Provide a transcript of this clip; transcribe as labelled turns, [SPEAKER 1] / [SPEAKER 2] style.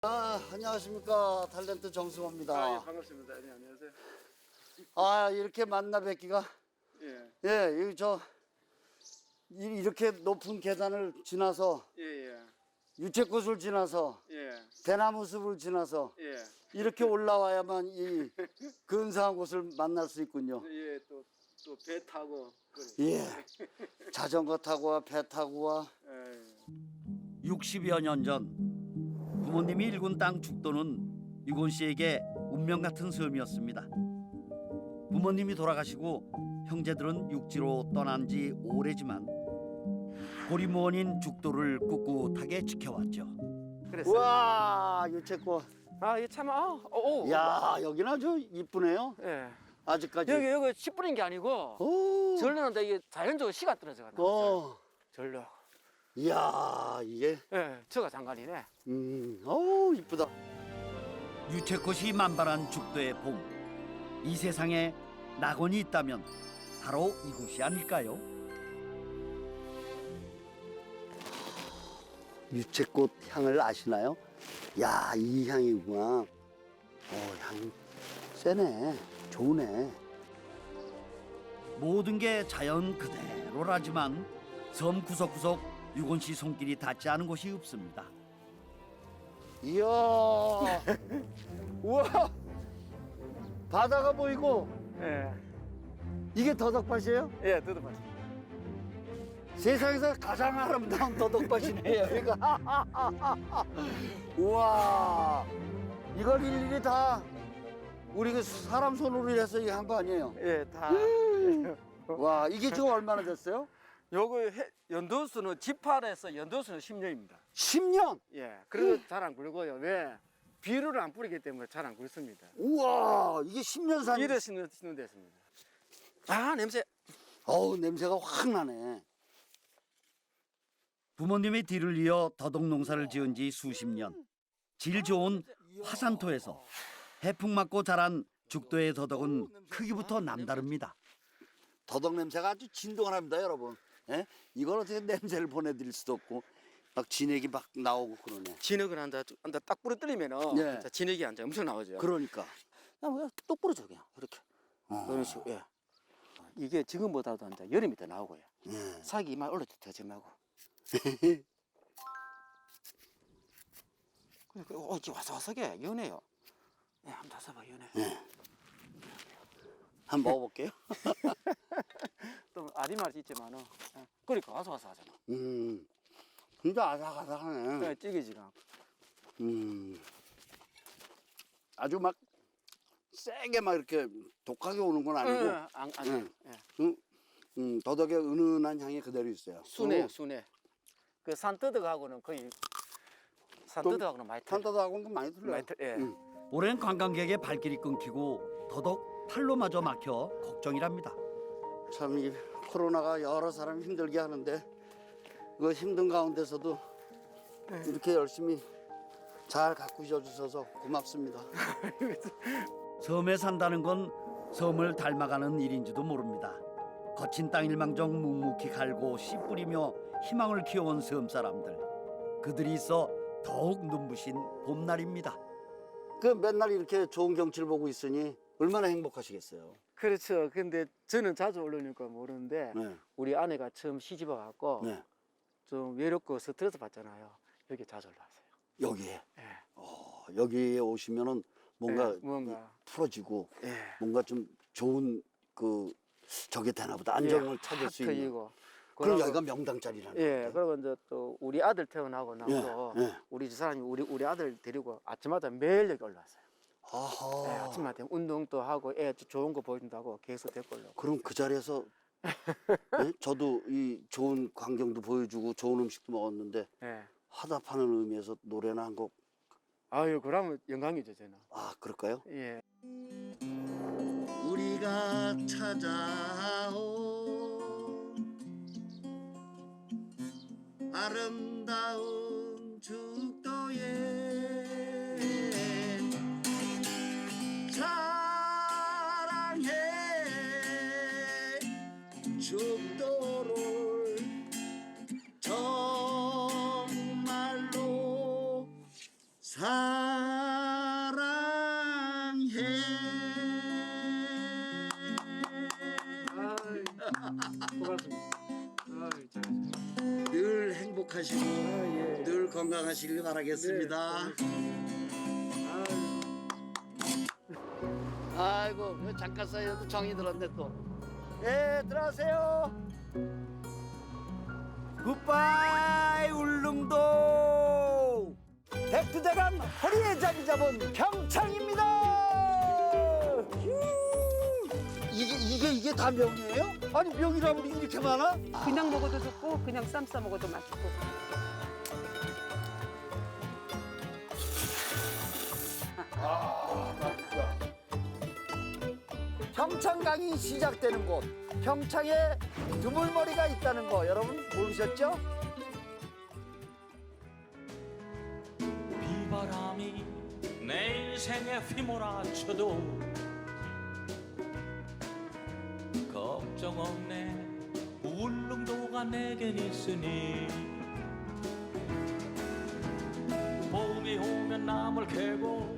[SPEAKER 1] 안녕하십니까. 탤런트 정승호입니다.
[SPEAKER 2] 아, 예, 반갑습니다. 네, 안녕하세요.
[SPEAKER 1] 이렇게 만나 뵙기가.
[SPEAKER 2] 예,
[SPEAKER 1] 예, 이렇게 높은 계단을 지나서,
[SPEAKER 2] 예,
[SPEAKER 1] 유채꽃을 지나서,
[SPEAKER 2] 예,
[SPEAKER 1] 대나무 숲을 지나서,
[SPEAKER 2] 예,
[SPEAKER 1] 이렇게 올라와야만 이 근사한 곳을 만날 수 있군요.
[SPEAKER 2] 예, 또 배 타고.
[SPEAKER 1] 예. 자전거 타고 와, 배 타고 와.
[SPEAKER 2] 예.
[SPEAKER 3] 60여 년 전 부모님이 일군 땅 죽도는 유곤 씨에게 운명 같은 섬이었습니다. 부모님이 돌아가시고 형제들은 육지로 떠난 지 오래지만 고리무원인 죽도를 꿋꿋하게 지켜왔죠.
[SPEAKER 2] 그랬어요.
[SPEAKER 1] 우와, 유채꽃.
[SPEAKER 2] 이 참,
[SPEAKER 1] 야, 여기는 아주 이쁘네요.
[SPEAKER 2] 예.
[SPEAKER 1] 아직까지.
[SPEAKER 2] 여기 10분인 게 아니고,
[SPEAKER 1] 오.
[SPEAKER 2] 절로는데 이게 자연적으로 시가 떨어져 가지고. 절로.
[SPEAKER 1] 이야, 이게.
[SPEAKER 2] 예, 저가 장관이네.
[SPEAKER 1] 어우, 이쁘다.
[SPEAKER 3] 유채꽃이 만발한 죽도의 봄. 이 세상에 낙원이 있다면 바로 이곳이 아닐까요?
[SPEAKER 1] 유채꽃 향을 아시나요? 야, 이 향이구나. 향 세네. 좋네.
[SPEAKER 3] 모든 게 자연 그대로라지만 섬 구석구석 유곤 씨 손길이 닿지 않은 곳이 없습니다.
[SPEAKER 1] 이야. 우와. 바다가 보이고,
[SPEAKER 2] 예,
[SPEAKER 1] 이게 더덕밭이에요?
[SPEAKER 2] 예, 뜯어봤어.
[SPEAKER 1] 세상에서 가장 아름다운 더덕밭이네요, 여기가. 우와. 이걸 일일이 다 우리 그 사람 손으로 해서 이 한 거 아니에요?
[SPEAKER 2] 예, 다.
[SPEAKER 1] 와, 이게 지금 얼마나 됐어요?
[SPEAKER 2] 요거 연도수는 지팔에서 연도수는 10년입니다.
[SPEAKER 1] 10년?
[SPEAKER 2] 예, 그래도 잘 안 굴고요. 왜? 비료를 안 뿌리기 때문에 잘 안 굴습니다.
[SPEAKER 1] 우와, 이게 10년 산.
[SPEAKER 2] 이래 심는 데였습니다. 냄새.
[SPEAKER 1] 어우, 냄새가 확 나네.
[SPEAKER 3] 부모님의 뒤를 이어 더덕 농사를 지은 지 수십 년. 질 좋은 화산토에서 해풍 맞고 자란 죽도의 더덕은 크기부터 남다릅니다.
[SPEAKER 1] 더덕 냄새가 아주 진동합니다, 여러분. 예? 이걸 어떻게 냄새를 보내드릴 수도 없고, 막 진액이 막 나오고 그러네.
[SPEAKER 2] 진흙을 한다 딱 부러뜨리면은
[SPEAKER 1] 예.
[SPEAKER 2] 진짜 진흙이 한자 엄청 나오죠.
[SPEAKER 1] 그러니까. 그냥 똑부러 줘, 그냥. 이렇게.
[SPEAKER 2] 그런 식으로. 예. 이게 지금보다도 이제 여름이 더 나오고요.
[SPEAKER 1] 예.
[SPEAKER 2] 사기 이만 올라도 더 점하고. 이게 와삭와삭해 연해요. 예, 한번 다숴봐 연해.
[SPEAKER 1] 예. 한번 먹어볼게요.
[SPEAKER 2] 또 아리말 있지만은 예. 그러니까 와삭와삭하잖아.
[SPEAKER 1] 진짜 아삭아삭하네.
[SPEAKER 2] 예, 찌개지가 않고.
[SPEAKER 1] 아주 막 세게 막 이렇게 독하게 오는 건 아니고, 더덕의 은은한 향이 그대로 있어요.
[SPEAKER 2] 순해요, 순해. 그 산뜨덕하고는 거의 산뜨덕하고는 많이 틀려.
[SPEAKER 1] 산더덕하고는 많이 틀려요.
[SPEAKER 2] 많이 틀- 예.
[SPEAKER 3] 오랜 관광객의 발길이 끊기고 더덕 팔로마저 막혀 걱정이랍니다.
[SPEAKER 1] 참 이 코로나가 여러 사람 힘들게 하는데 그 힘든 가운데서도 이렇게 열심히 잘 가꾸셔 주셔서 고맙습니다.
[SPEAKER 3] 섬에 산다는 건 섬을 닮아가는 일인지도 모릅니다. 거친 땅 일망정 묵묵히 갈고 씨 뿌리며 희망을 키워온 섬 사람들. 그들이 있어 더욱 눈부신 봄날입니다.
[SPEAKER 1] 그 맨날 이렇게 좋은 경치를 보고 있으니 얼마나 행복하시겠어요.
[SPEAKER 2] 그렇죠. 근데 저는 자주 올라오니까 모르는데
[SPEAKER 1] 네.
[SPEAKER 2] 우리 아내가 처음 시집 와갖고
[SPEAKER 1] 네.
[SPEAKER 2] 좀 외롭고 스트레스 받잖아요. 여기 자주 올라왔어요.
[SPEAKER 1] 여기에.
[SPEAKER 2] 예.
[SPEAKER 1] 여기에 오시면은 뭔가
[SPEAKER 2] 예, 뭔가
[SPEAKER 1] 풀어지고
[SPEAKER 2] 예.
[SPEAKER 1] 뭔가 좀 좋은 그 저게 되나 보다. 안정을 찾을 수 있는.
[SPEAKER 2] 트이고.
[SPEAKER 1] 그럼 여기가 명당짜리라는
[SPEAKER 2] 예.
[SPEAKER 1] 건데.
[SPEAKER 2] 그리고 이제 또 우리 아들 태어나고 나서
[SPEAKER 1] 예, 예.
[SPEAKER 2] 우리 집사람이 우리 아들 데리고 아침마다 매일 여기 올라왔어요.
[SPEAKER 1] 아하.
[SPEAKER 2] 예, 아침마다 운동도 하고 애 좋은 거 보여준다고 계속 데리고 올라오고.
[SPEAKER 1] 그럼 그 자리에서 예? 저도 이 좋은 광경도 보여주고 좋은 음식도 먹었는데
[SPEAKER 2] 예.
[SPEAKER 1] 화답하는 의미에서 노래나 한 곡.
[SPEAKER 2] 아유, 그러면 영광이죠, 저는.
[SPEAKER 1] 아, 그럴까요?
[SPEAKER 2] 예.
[SPEAKER 1] 우리가 찾아온 아름다운 죽도에 사랑해 죽도를 정말로 사 늘 행복하시고 늘 건강하시길 바라겠습니다. 아이고 잠깐 사이에도 정이 들었네 또. 예, 들어가세요. 굿바이 울릉도. 백두대간 허리에 자리 잡은 평창입니다. 이게 다 명이에요? 아니 명이라면 이렇게 많아?
[SPEAKER 4] 그냥 먹어도 좋고 그냥 쌈 싸 먹어도 맛있고.
[SPEAKER 1] 평창강이 시작되는 곳, 평창에 두물머리가 있다는 거 여러분 모르셨죠?
[SPEAKER 5] 비바람이 내 인생에 휘몰아쳐도 걱정 없네. 울릉도가 내겐 있으니 봄이 오면 나물 캐고